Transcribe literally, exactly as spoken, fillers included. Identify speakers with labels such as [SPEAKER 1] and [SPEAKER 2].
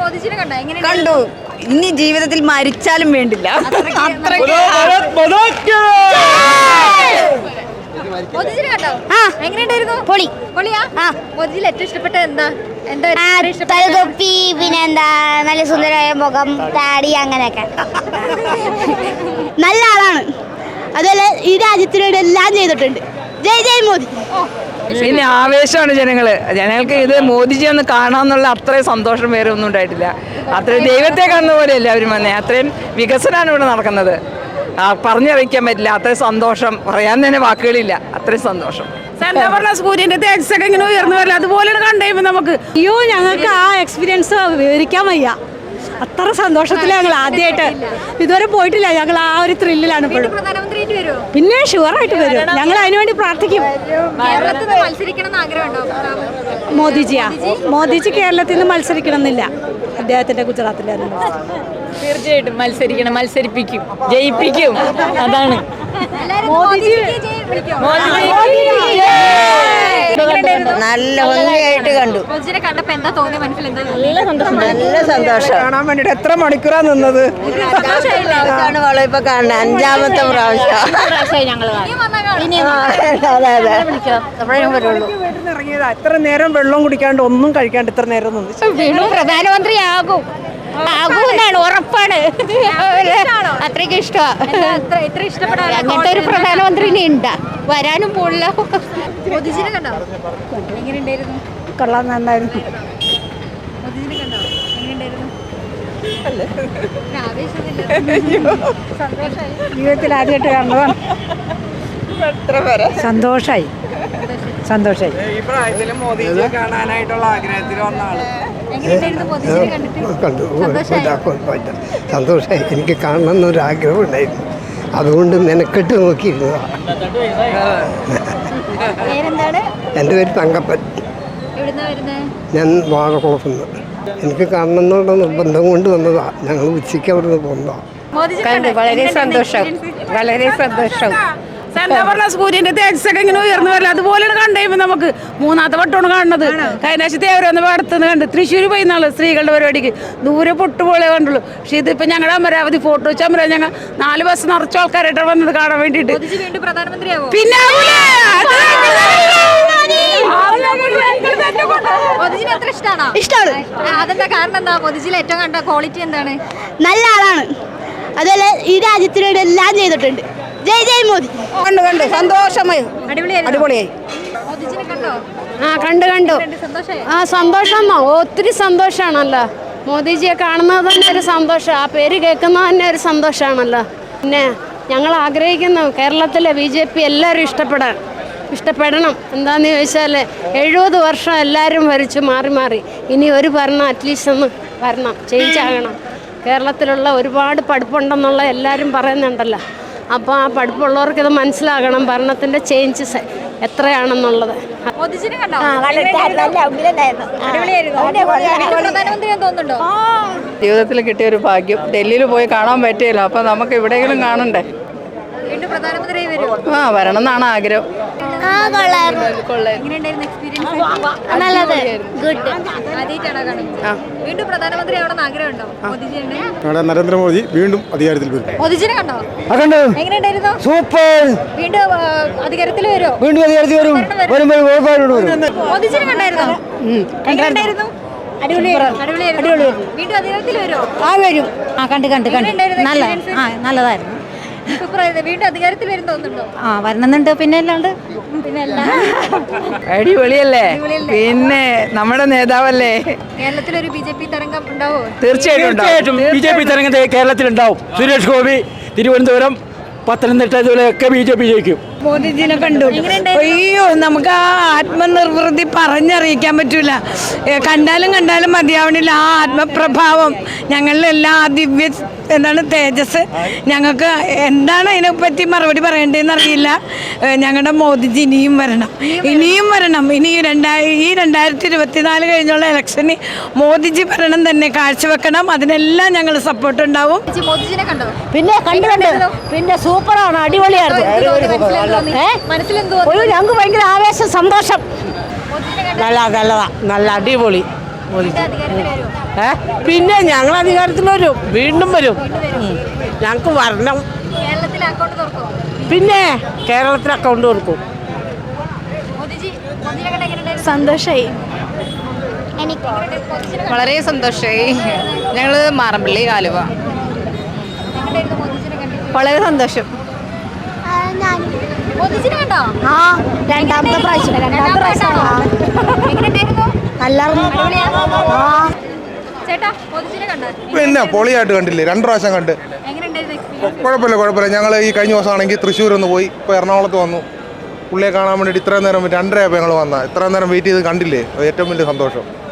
[SPEAKER 1] കണ്ടു. ഇനി ജീവിതത്തിൽ മരിച്ചാലും വേണ്ടില്ല.
[SPEAKER 2] പൊളി. തലതൊപ്പി, പിന്നെന്താ നല്ല സുന്ദരമായ മുഖം, താടി, അങ്ങനെയൊക്കെ. നല്ല ആളാണ്. അതുപോലെ ഈ രാജ്യത്തിനോട് എല്ലാം ചെയ്തിട്ടുണ്ട്. ജയ് ജയ് മോദി.
[SPEAKER 3] പിന്നെ ആവേശമാണ് ജനങ്ങള്. ജനങ്ങൾക്ക് ഇത് മോദിജി ഒന്ന് കാണാമെന്നുള്ള അത്രയും സന്തോഷം വേറെ ഒന്നും ഉണ്ടായിട്ടില്ല. അത്രയും ദൈവത്തെ കാണുന്ന പോലെയല്ല അവരും വന്നേ. അത്രയും വികസനമാണ് ഇവിടെ നടക്കുന്നത്. പറഞ്ഞറിയിക്കാൻ പറ്റില്ല. അത്രയും സന്തോഷം, പറയാൻ തന്നെ വാക്കുകളില്ല. അത്രയും സന്തോഷം.
[SPEAKER 4] സൂര്യന്റെ തേജസ്സൊക്കെ ഇങ്ങനെ ഉയർന്നു വരില്ല, അതുപോലെ കണ്ടുകഴിയുമ്പോ നമുക്ക് അയ്യോ ഞങ്ങൾക്ക് ആ എക്സ്പീരിയൻസ് വിവരിക്കാൻ വയ്യ. അത്ര സന്തോഷത്തില് ഞങ്ങൾ ആദ്യമായിട്ട് ഇതുവരെ പോയിട്ടില്ല. ഞങ്ങൾ ആ ഒരു ത്രില്ലിലാണ് ഇപ്പോഴും. പിന്നെ ഷുവറായിട്ട് വരും. ഞങ്ങൾ അതിനുവേണ്ടി പ്രാർത്ഥിക്കും. മോദിജിയാ മോദിജി കേരളത്തിൽ നിന്ന് മത്സരിക്കണം എന്നില്ല. അദ്ദേഹത്തിന്റെ ഗുജറാത്തിലായിരുന്നു.
[SPEAKER 3] തീർച്ചയായിട്ടും മത്സരിക്കണം, മത്സരിപ്പിക്കും, ജയിപ്പിക്കും. അതാണ്
[SPEAKER 1] നല്ല ഭംഗിയായിട്ട് കണ്ടു. നല്ല സന്തോഷം.
[SPEAKER 3] കാണാൻ വേണ്ടിട്ട് എത്ര മണിക്കൂറാ നിന്നത്.
[SPEAKER 1] ഇപ്പൊ കാണുന്നത് അഞ്ചാമത്തെ പ്രാവശ്യം.
[SPEAKER 3] ഇറങ്ങിയതാ. ഇത്ര നേരം വെള്ളം കുടിക്കാണ്ട് ഒന്നും കഴിക്കാണ്ട് ഇത്ര നേരം നിന്ന്.
[SPEAKER 2] വീണ്ടും പ്രധാനമന്ത്രിയാകും ആകുമെന്നാണ് ഉറപ്പാണ്. അത്രയ്ക്ക് ഇഷ്ടമാണ്. അങ്ങനത്തെ ഒരു പ്രധാനമന്ത്രിനെ ഉണ്ടാ വരാനും പോളില്ല.
[SPEAKER 4] കൊള്ളാൻ നന്നായിരുന്നു. ജീവിതത്തിൽ ആദ്യമായിട്ട് കാണുന്നതാണ്. സന്തോഷായി സന്തോഷായി
[SPEAKER 3] ഈ പ്രായത്തിൽ മോദിജിയെ കാണാനായിട്ടുള്ള ആഗ്രഹത്തിൽ വന്ന ആള്.
[SPEAKER 5] കണ്ടു. സന്തോഷമായി. എനിക്ക് കാണണം എന്നൊരു ആഗ്രഹം ഉണ്ടായിരുന്നു. അതുകൊണ്ട് മെനക്കെട്ട് നോക്കിയിരുന്നതാണ്. എൻ്റെ പേര് തങ്കപ്പൻ. ഞാൻ വാഴക്കുളത്തുനിന്ന്. എനിക്ക് കാണണം എന്നുള്ള നിർബന്ധം കൊണ്ട് വന്നതാണ്. ഞങ്ങൾ ഉച്ചയ്ക്ക് അവിടെ നിന്ന് പോകുന്നതാണ്.
[SPEAKER 1] വളരെ സന്തോഷം, വളരെ സന്തോഷം.
[SPEAKER 4] സൂര്യന്റെ തേജസ്സൊക്കെ ഇങ്ങനെ ഉയർന്നു വരില്ല, അതുപോലെ കണ്ടുകഴിയുമ്പോ നമുക്ക് മൂന്നാമത്തെ വട്ടമാണ് കാണുന്നത്. കഴിഞ്ഞാഴ്ച തേവരൊന്ന് അടുത്തുനിന്ന് കണ്ട് തൃശ്ശൂർ പോയി നാളെ സ്ത്രീകളുടെ പരിപാടിക്ക് ദൂരെ പൊട്ടുപോലെ കണ്ടുള്ളൂ. പക്ഷെ ഇതിപ്പോ ഞങ്ങളുടെ അമരാവതി ഫോട്ടോ വെച്ച് അമര ഞങ്ങൾ നാല് ബസ് നിറച്ച ആൾക്കാരായിട്ടാണ് വന്നത് കാണാൻ വേണ്ടിട്ട്. പിന്നെ
[SPEAKER 2] നല്ല ആളാണ്. അതുപോലെ ഈ രാജ്യത്തിനോട് എല്ലാം ചെയ്തിട്ടുണ്ട്. ജയ് ജയ് മോദി.
[SPEAKER 1] കണ്ടു കണ്ടു സന്തോഷമായി. അടിപൊളിയായി.
[SPEAKER 6] ആ കണ്ടു കണ്ടു ആ സന്തോഷം. ഒത്തിരി സന്തോഷമാണല്ലോ. മോദിജിയെ കാണുന്നത് തന്നെ ഒരു സന്തോഷം. ആ പേര് കേൾക്കുന്നത് തന്നെ ഒരു സന്തോഷമാണല്ലോ. പിന്നെ ഞങ്ങൾ ആഗ്രഹിക്കുന്നു കേരളത്തിലെ ബി ജെ പി എല്ലാവരും ഇഷ്ടപ്പെടാൻ ഇഷ്ടപ്പെടണം. എന്താണെന്ന് ചോദിച്ചാൽ എഴുപത് വർഷം എല്ലാവരും ഭരിച്ചു മാറി മാറി. ഇനി ഒരു ഭരണം അറ്റ്ലീസ്റ്റ് ഒന്ന് വരണം, ചേഞ്ച് ആകണം. കേരളത്തിലുള്ള ഒരുപാട് പഠിപ്പുണ്ടെന്നുള്ള എല്ലാവരും പറയുന്നുണ്ടല്ലോ. അപ്പോൾ ആ പഠിപ്പുള്ളവർക്ക് ഇത് മനസ്സിലാകണം ഭരണത്തിൻ്റെ ചേഞ്ചസ് എത്രയാണെന്നുള്ളത്.
[SPEAKER 3] ജീവിതത്തിൽ കിട്ടിയ ഒരു ഭാഗ്യം. ഡൽഹിയിൽ പോയി കാണാൻ പറ്റിയില്ല. അപ്പൊ നമുക്ക് എവിടെയെങ്കിലും കാണണ്ടേ. ആ വരണം എന്നാണ് ആഗ്രഹം.
[SPEAKER 5] നരേന്ദ്രമോദി വീണ്ടും അധികാരത്തിൽ വരും.
[SPEAKER 1] സൂപ്പർ.
[SPEAKER 2] വീണ്ടും അധികാരത്തിൽ വരുമോ?
[SPEAKER 1] വീണ്ടും അധികാരത്തിൽ വരും.
[SPEAKER 2] ആ വരും. ആ കണ്ട് കണ്ട് കണ്ട് നല്ല ആ നല്ലതായിരുന്നു.
[SPEAKER 7] വീണ്ടും അധികാരത്തിൽ വരും തോന്നുന്നുണ്ടോ?
[SPEAKER 2] ആ വരണമെന്നുണ്ട്. പിന്നെ അല്ലാണ്ട് പിന്നെ
[SPEAKER 3] അടിപൊളിയല്ലേ. പിന്നെ നമ്മുടെ നേതാവല്ലേ.
[SPEAKER 7] കേരളത്തിൽ ഒരു ബി ജെ പി തരംഗം ഉണ്ടാവോ?
[SPEAKER 3] തീർച്ചയായിട്ടും
[SPEAKER 8] ബി ജെ പി തരംഗം കേരളത്തിലുണ്ടാവും. സുരേഷ് ഗോപി, തിരുവനന്തപുരം, പത്തനംതിട്ട, ഇതുപോലെയൊക്കെ ബി ജെ പി ജയിക്കും.
[SPEAKER 4] മോദിജിനെ കണ്ടു. അയ്യോ നമുക്ക് ആ ആത്മനിർവൃതി പറഞ്ഞറിയിക്കാൻ പറ്റൂല. കണ്ടാലും കണ്ടാലും മതിയാവണില്ല ആ ആത്മപ്രഭാവം. ഞങ്ങളിലെല്ലാം ആ ദിവ്യ എന്താണ് തേജസ്. ഞങ്ങൾക്ക് എന്താണ് അതിനെപ്പറ്റി മറുപടി പറയേണ്ടതെന്ന് അറിയില്ല. ഞങ്ങളുടെ മോദിജി ഇനിയും വരണം, ഇനിയും വരണം. ഇനി രണ്ടായി ഈ രണ്ടായിരത്തി ഇരുപത്തിനാല് കഴിഞ്ഞുള്ള ഇലക്ഷന് മോദിജി ഭരണം തന്നെ കാഴ്ചവെക്കണം. അതിനെല്ലാം ഞങ്ങൾ സപ്പോർട്ട് ഉണ്ടാവും.
[SPEAKER 2] പിന്നെ കണ്ടു കണ്ട് പിന്നെ സൂപ്പറാണ്, അടിപൊളിയായിരുന്നു. ഞങ്ങൾക്ക് ഭയങ്കര ആവേശം, സന്തോഷം.
[SPEAKER 1] നല്ല നല്ലതാ, നല്ല അടിപൊളി.
[SPEAKER 7] വീണ്ടും അധികാരത്തിൽ വരുമോ?
[SPEAKER 1] പിന്നെ ഞങ്ങൾ അധികാരത്തിൽ വരും, വീണ്ടും വരും. ഞങ്ങൾക്ക് വരണം.
[SPEAKER 7] കേരളത്തിൽ അക്കൗണ്ട് തുറക്കുമോ?
[SPEAKER 1] പിന്നെ കേരളത്തിൽ അക്കൗണ്ട് കൊടുക്കും.
[SPEAKER 7] മോദിജി മോദിനെ കണ്ട എങ്ങനെയുണ്ടായിരുന്നു?
[SPEAKER 2] സന്തോഷമായി.
[SPEAKER 7] എനിക്ക് മോദിജിനെ
[SPEAKER 3] വളരെ സന്തോഷമായി. ഞങ്ങൾ മാറമ്പള്ളി ആലുവ.
[SPEAKER 7] എങ്ങനെയായിരുന്നു മോദിജിനെ കണ്ടിട്ട്?
[SPEAKER 3] വളരെ സന്തോഷം.
[SPEAKER 7] മോദിജിനെ കണ്ടോ?
[SPEAKER 2] ആ രണ്ടാമത്തെ പ്രാവശ്യം
[SPEAKER 7] രണ്ടാമത്തെ പ്രാവശ്യമാണോ? എങ്ങനെയുണ്ടായിരുന്നു?
[SPEAKER 2] നല്ലായിരുന്നു.
[SPEAKER 7] അടിപൊളിയാ?
[SPEAKER 2] ആ
[SPEAKER 7] ചേട്ടാ മോദിജിനെ കണ്ടോ?
[SPEAKER 9] പിന്നെ പൊളിയായിട്ട് കണ്ടില്ലേ, രണ്ട് പ്രാവശ്യം കണ്ട്.
[SPEAKER 7] എങ്ങനെയുണ്ടായിരുന്നു എക്സ്പീരിയൻസ്?
[SPEAKER 9] കുഴപ്പമില്ല കുഴപ്പമില്ല ഞങ്ങൾ ഈ കഴിഞ്ഞ ദിവസമാണെങ്കിൽ തൃശ്ശൂർ ഒന്ന് പോയി, ഇപ്പോൾ എറണാകുളത്ത് വന്നു. പുള്ളിയെ കാണാൻ വേണ്ടിയിട്ട് ഇത്രയും നേരം രണ്ടരയായപ്പോൾ ഞങ്ങൾ വന്നാൽ ഇത്രയും നേരം വെയിറ്റ് ചെയ്ത് കണ്ടില്ലേ, അത് ഏറ്റവും വലിയ സന്തോഷം.